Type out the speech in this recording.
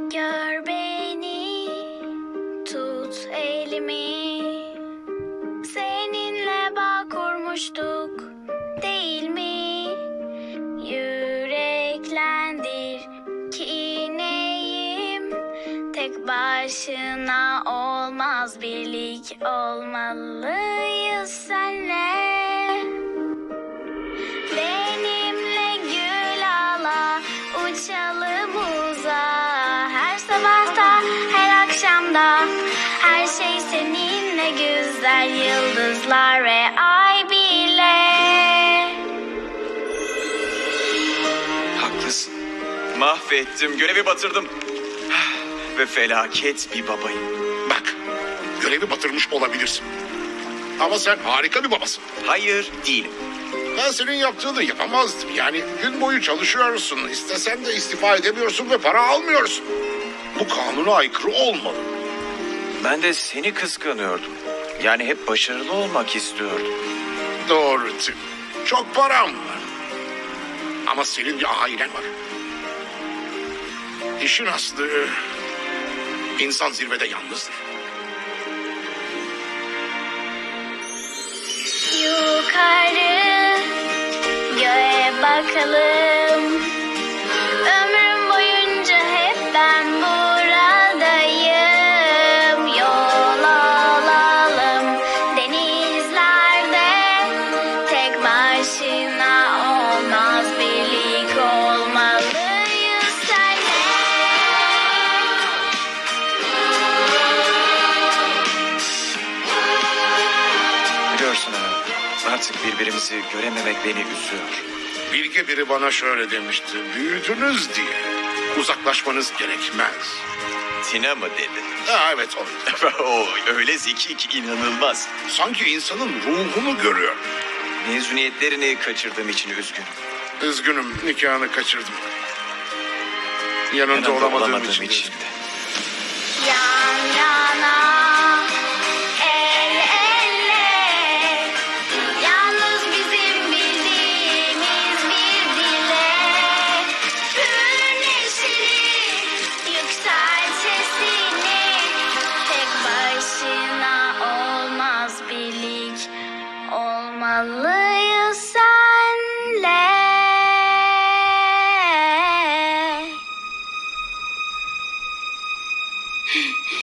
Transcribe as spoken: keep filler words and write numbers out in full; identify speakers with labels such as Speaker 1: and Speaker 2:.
Speaker 1: Gör beni, tut elimi. Seninle bağ kurmuştuk, değil mi? Yüreklendir ki neyim? Tek başına olmaz, birlik olmalıyız senle. Benimle gül ala, uçalım uzağa. Her sabahta, her akşamda, her şey seninle güzel. Yıldızlar ve ay bile.
Speaker 2: Haklısın. Mahvettim, görevi batırdım. Ve felaket bir babayım.
Speaker 3: Bak, görevi batırmış olabilirsin. Ama sen harika bir babasın.
Speaker 2: Hayır, değilim.
Speaker 3: Ben senin yaptığını yapamazdım. Yani gün boyu çalışıyorsun. İstesen de istifa edemiyorsun ve para almıyorsun. Bu kanuna aykırı olmalı.
Speaker 2: Ben de seni kıskanıyordum. Yani hep başarılı olmak istiyordum.
Speaker 3: Doğru Tim. Çok param var. Ama senin bir ailen var. İşin aslı... insan zirvede yalnızdır.
Speaker 1: Yukarı göğe bakalım. Ömrüm boyunca hep ben buradayım. Yol alalım denizlerde. Tek başına olmaz, birlik olmalıyız seninle.
Speaker 2: Biliyorsun ha, artık birbirimizi görememek beni üzüyor.
Speaker 3: Bilge biri bana şöyle demişti. Büyüdünüz diye uzaklaşmanız gerekmez.
Speaker 2: Tina mı dedi?
Speaker 3: Ha, evet o.
Speaker 2: O öyle zeki ki inanılmaz.
Speaker 3: Sanki insanın ruhunu görüyor.
Speaker 2: Mezuniyetlerini kaçırdığım için üzgünüm.
Speaker 3: Üzgünüm, nikahını kaçırdım. Yanında,
Speaker 2: Yanında
Speaker 3: olamadığım,
Speaker 2: olamadığım
Speaker 3: için. de
Speaker 2: için
Speaker 3: üzgünüm.
Speaker 2: de.